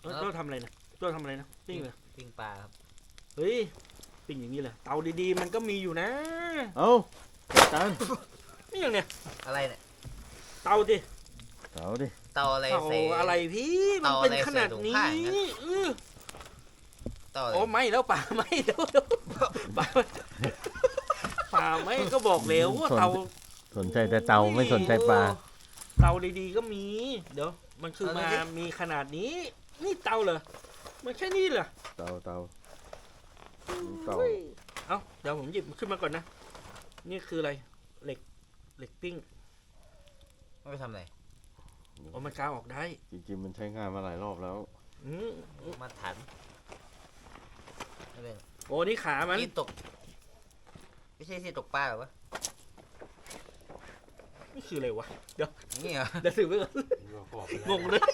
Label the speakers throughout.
Speaker 1: ตัวทำอะไรนะตัวทำอะไรนะปิ้งเลย
Speaker 2: ปิ้งปลาครับ
Speaker 1: เฮ้ยปิ้งอย่างนี้เลยเตาดีๆมันก็มีอยู่นะ
Speaker 3: เอ้าตัน
Speaker 1: นี่อย่างเนี้ย
Speaker 2: อะไรเนี่ย
Speaker 1: เตาดิ
Speaker 3: เตาดิ
Speaker 2: เตาอะไร
Speaker 1: เตา
Speaker 2: ใส่
Speaker 1: อะไรพี่มัน
Speaker 2: เตา
Speaker 1: เป็น
Speaker 2: อะไร
Speaker 1: ขนาด
Speaker 2: ใส่ถุง
Speaker 1: นี้
Speaker 2: ผ้าอย่างนั้น เตาอะไร
Speaker 1: โอ้ไม่แล้วป่าไม่เดี๋ยวป่าป่าไม่ก็บอกแล้วว่าเตา
Speaker 3: สนใจแต่เตาไม่สนใจปลา
Speaker 1: เตาดีๆก็มี เดี๋ยวมันคือมามีขนาดนี้ นี่เตาเหรอมันแค่นี้เหรอ
Speaker 3: เตา
Speaker 1: เอ้าเดี๋ยวผมหยิบมันขึ้นมาก่อนนะนี่คืออะไรเหล็กปิ้ง
Speaker 2: ไม่ไปทำอะไร
Speaker 1: โอ้มันกาวออกได้
Speaker 3: จริงๆมันใช้งานมาหลายรอบแล้ว
Speaker 1: อืม
Speaker 2: มาถันไม่เป็น
Speaker 1: โอ้นี่ขามัน
Speaker 2: ที่ตก ไม่ใช่ที่ตกปลาหรอวะ
Speaker 1: นี่คืออะไรวะเดี๋ยว
Speaker 2: นี่เหรอ
Speaker 1: เดี๋ยวถือไว้ก่อนงงเลย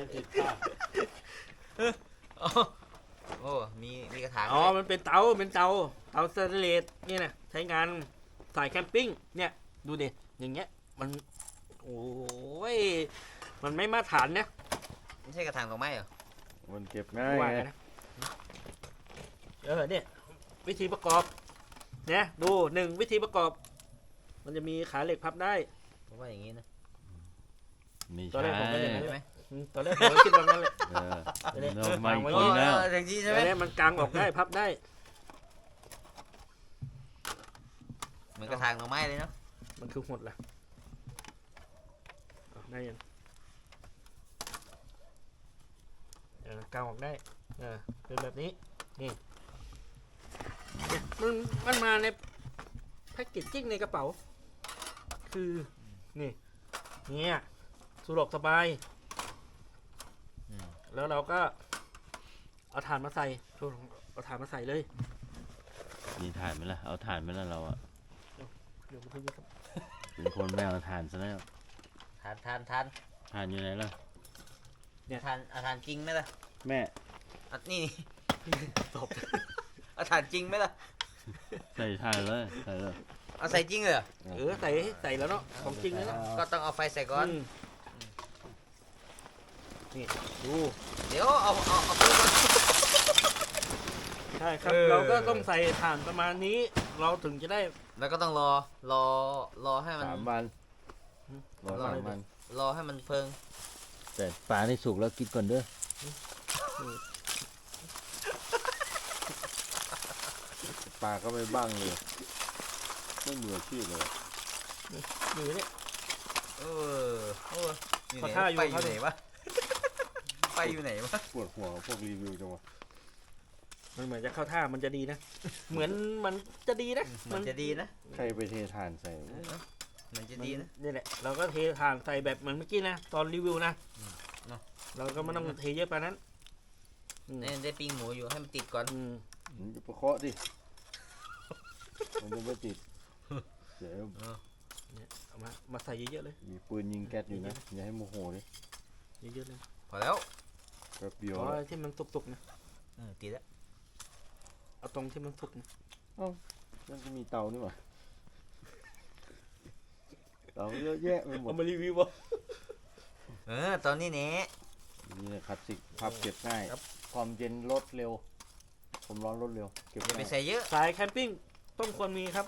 Speaker 2: อ๋อโอ้มีกระถาง
Speaker 1: อ๋อ
Speaker 2: ด้วย
Speaker 1: มันเป็นเตาสแตนเลสนี่นะใช้งานสายแคมปิ้งเนี่ยดูดิอย่างเงี้ยมันโอ้ยมันไม่มาตรฐานนะ
Speaker 2: ไม่ใช่กระถางดอกไม้เหรอ
Speaker 3: มันเก็บง่าย
Speaker 1: ว่า
Speaker 3: ไง
Speaker 1: กันนะเนี่ยวิธีประกอบเนี่ยดูหนึ่งวิธีประกอบ มันจะมีขาเหล็กพับได้
Speaker 2: ผมว่าอย่างนี้นะ
Speaker 3: มี
Speaker 1: ตอน
Speaker 3: ใช้
Speaker 1: แรกผมก็อย่างนั้น
Speaker 2: ใช่ไหม
Speaker 1: ตอนแรกผมก็คิดว่างั้นเลย
Speaker 3: เราไม่
Speaker 1: ไว้
Speaker 3: กินแล้ว
Speaker 2: อย่างนี้
Speaker 1: ต
Speaker 2: ใช่
Speaker 1: อ
Speaker 2: ไหม
Speaker 1: นนี้มันกางออกได้พับได้
Speaker 2: เหมือนกระถางดอกไม้เลยเนาะ
Speaker 1: มันคือหดแหละเอาได้ยังกางออกได้เป็นแบบนี้นี่เนี่ยมันมาในแพ็กเกจจิ้งในกระเป๋า คือนี่เนี่ยสะดวกสบาย แล้วเราก็เอาถ่านมาใส่เอาถ่านมาใส่เลย
Speaker 3: มีถ่านไหมล่ะ เอาถ่านไหมล่ะเราอะ
Speaker 1: เดี๋ยวพึ่งครับ
Speaker 3: เป็นคนไม่เอาถ่านซะแล้ว
Speaker 2: ทาน
Speaker 3: ถ่านอยู่ไหนล่ะ
Speaker 2: เอาทานจริงไหมล่ะ
Speaker 3: แม่
Speaker 2: อ่ะนี่
Speaker 1: ตบ
Speaker 2: เอาทานจริงไหมล่ะ
Speaker 3: ใส่ถ่านเลยใส่เลย
Speaker 2: เอาใส่จริงเลยเหรอ
Speaker 1: ใส่แล้วเนาะของจริงเลยนะ
Speaker 2: ก็ต้องเอาไฟใส่ก่อน
Speaker 1: นี่ดู
Speaker 2: เดี๋ยวเอาปืนก่อน
Speaker 1: ใช่ครับ
Speaker 2: เออ
Speaker 1: เราก็ต้องใส่ถ่านประมาณนี้ เราถึงจะได้
Speaker 2: แล้วก็ต้องรอให้มัน
Speaker 3: 3 วันรอ
Speaker 2: รอ
Speaker 3: 3 วัน
Speaker 2: รอให้มันเพิง
Speaker 3: แต่ปลาที่สุกแล้วกินก่อนเด้อปลาก็ไม่บ้างเลยไม่มืออาชีพเลย
Speaker 1: อยู่เนี่ย
Speaker 2: เอออยู่
Speaker 1: ขอ
Speaker 2: ไหน
Speaker 1: ท่าอยู่
Speaker 2: ไปอยู่ไหนวะ ไปอยู่ไหนวะ
Speaker 3: ปวดหัวพวกรีวิวจังวะ
Speaker 1: มันเหมือนจะเข้าท่ามันจะดีนะ เหมือนมันจะดีนะ
Speaker 2: มันจะดีนะ
Speaker 3: ใครไปเทถ่านใส่
Speaker 2: มันจะดีนะ
Speaker 1: นี่แหละเราก็เทถ่านใส่แบบเหมือนเมื่อกี้นะตอนรีวิวนะ
Speaker 2: เนอะ
Speaker 1: เราก็ไม่ต้องเทเยอะไปนั้นอืม
Speaker 2: เนี่ยได้ปิ้งหมูอยู่ให้มันติดก่อน
Speaker 1: อืม
Speaker 3: มันจะประเคาะดิมันจะไม่ติดเดี๋ยว
Speaker 1: เนี่ยเอามาใส่เยอะๆเลย
Speaker 3: มีปืนยิงแก๊สอยู่นะอย่าให้โมโหดิ
Speaker 1: เยอะๆเลย
Speaker 2: พอแล้ว
Speaker 3: แป๊บเดียว
Speaker 1: อ๋อที่มันสุกๆนะ
Speaker 2: ติดแล้ว
Speaker 1: เอาตรงที่มันสุกนะ
Speaker 3: มันจะมีเตานี่หว่าเตาเยอะแยะไปหมด
Speaker 1: เอามารีวิววะ
Speaker 2: ตอนนี้เนี่ย
Speaker 3: นี่นะคลาสสิกพับเก็บง่าย
Speaker 1: ครับ
Speaker 3: ความเย็นลดเร็วความร้อนลดเร็วเก็บ
Speaker 2: อย่าไป
Speaker 3: ง่าย
Speaker 2: ใส่เยอะ
Speaker 1: สายแคมปิ้งต้องควรมีครับ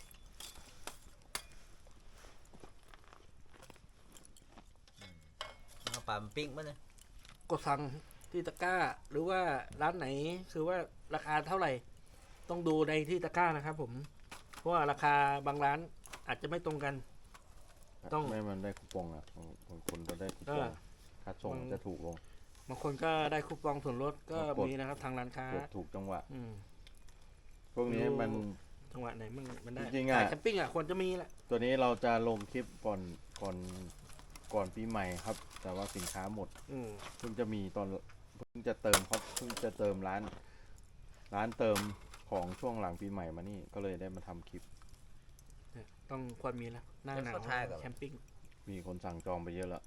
Speaker 2: เอาปลามันปิ้งมั้ยเนี่ย
Speaker 1: กดสั่งที่ตะกร้า หรือว่าร้านไหนคือว่าราคาเท่าไหร่ ต้องดูในที่ตะกร้านะครับผมเพราะว่าราคาบางร้านอาจจะไม่ตรงกัน ต้อง
Speaker 3: ไม่มันได้คูปองอ่ะบางคนก็ได้คูปองค่าส่งจะถูกลง
Speaker 1: บางคนก็ได้คูปองส่วนลดก็
Speaker 3: กด
Speaker 1: มีนะครับทางร้านค้า
Speaker 3: เกิดถูกจังหวะ
Speaker 1: อืม
Speaker 3: พวกนี้มัน
Speaker 1: จังหวะไหนมันได้
Speaker 3: จริงๆอะ
Speaker 1: สายแคมปิ้งอ่ะควรจะมีแหละ
Speaker 3: ตัวนี้เราจะลงคลิปก่อนปีใหม่ครับ แต่ว่าสินค้าหมด
Speaker 1: อืม
Speaker 3: เพิ่งจะมีตอนเพิ่งจะเติมครับเพิ่งจะเติมร้านเติมของช่วงหลังปีใหม่มานี่ก็เลยได้มาทำคลิป
Speaker 1: เนี่ยต้องควรมีแล้วหน้าหนาวแคมปิ้ง
Speaker 3: มีคนสั่งจองไปเยอะแล้ว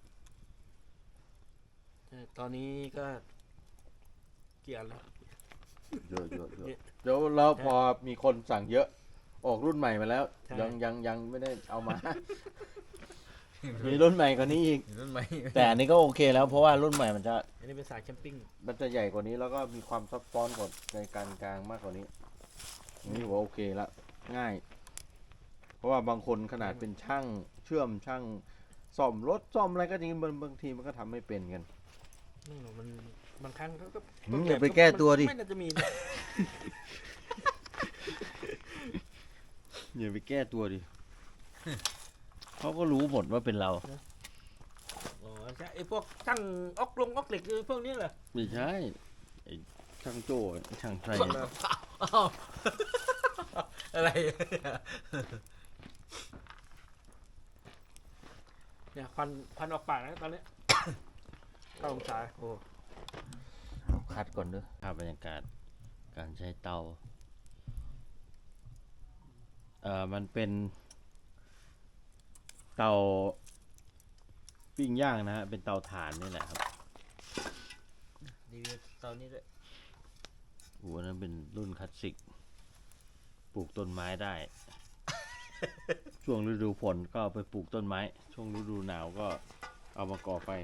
Speaker 1: ตอนนี้ก็เกี่ยนแล้ว
Speaker 3: เยอะ
Speaker 1: เนี่ย
Speaker 3: เดี๋ยวแล้วพอมีคนสั่งเยอะออกรุ่นใหม่มาแล้ว
Speaker 1: ใช่
Speaker 3: ยังไม่ได้เอามามีรุ่นใหม่กว่านี้อีก
Speaker 2: รุ่นใหม่
Speaker 3: แต่อันนี้ก็โอเคแล้วเพราะว่ารุ่นใหม่มันจะ
Speaker 1: อันนี้เป็นสายแคมปิ้ง
Speaker 3: ใหญ่กว่านี้แล้วก็มีความซับซ้อนกว่าในการกลางมากกว่านี้อันนี่ถือว่าโอเคละง่าย เพราะว่าบางคนขนาดเป็นช่างเชื่อมช่างซ่อมรถซ่อมอะไรก็จริงบางทีมันก็ทำไม่เป็นกัน
Speaker 1: ไม่หรอกมันบางครั้งเขาก็
Speaker 3: อย่าไปแก้ตัวดิ
Speaker 1: ไม่น่าจะมีนะ
Speaker 3: อย่าไปแก้ตัวดิ เขาก็รู้หมดว่าเป็นเรา
Speaker 1: อ๋อใช่ไอ้พวกช่างออกเหล็กพวกนี้เหรอ
Speaker 3: ไม่ใช่ไอ้ช่างโจ้ช่างไทย
Speaker 2: อ้าวอะไร
Speaker 1: เนี่ยควันออกปากนะตอนนี้ 9 องศาโอ้
Speaker 3: คัดก่อนเด้อภาพบรรยากาศการใช้เตามันเป็นเตาปิ้งย่างนะฮะเป็นเตาถ่านนี่แหละครับ
Speaker 2: รีวิวตอนนี้ด้วย
Speaker 3: โอ้โหนั้นเป็นรุ่นคลาสสิกปลูกต้นไม้ได้ ช่วงฤดูฝนก็เอาไปปลูกต้นไม้ ช่วงฤดูหนาวก็เอามาก่อไฟ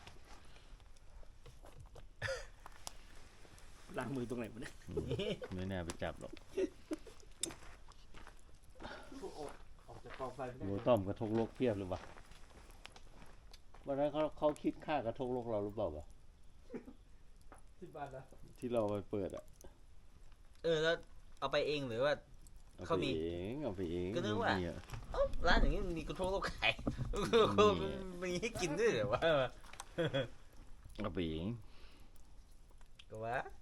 Speaker 1: ล้างมือตรงไหนวะเนี่ย
Speaker 3: ไม่น่าไปจับหรอก
Speaker 1: ออกจากกองไฟไม่ได้
Speaker 3: หัวต้อมกระทงโลกเพียบเลยวะวันนั้นเขาคิดค่ากระทงโลกเราหรือเปล่าวะ
Speaker 1: 10 บาทนะ
Speaker 3: ที่เราไปเปิดอ่ะ
Speaker 2: แล้วเอาไปเองหรือว่า
Speaker 3: เอา
Speaker 2: เขา
Speaker 3: ไป
Speaker 2: มี
Speaker 3: เองเอาไปเอง
Speaker 2: ก็นึกว่า
Speaker 3: มีอะ
Speaker 2: ร้านอย่างนี้มันมีกระทงโลกไข่มีให้กินด้วยเหรอวะ
Speaker 3: เอาไปเอง
Speaker 2: ก็ว่า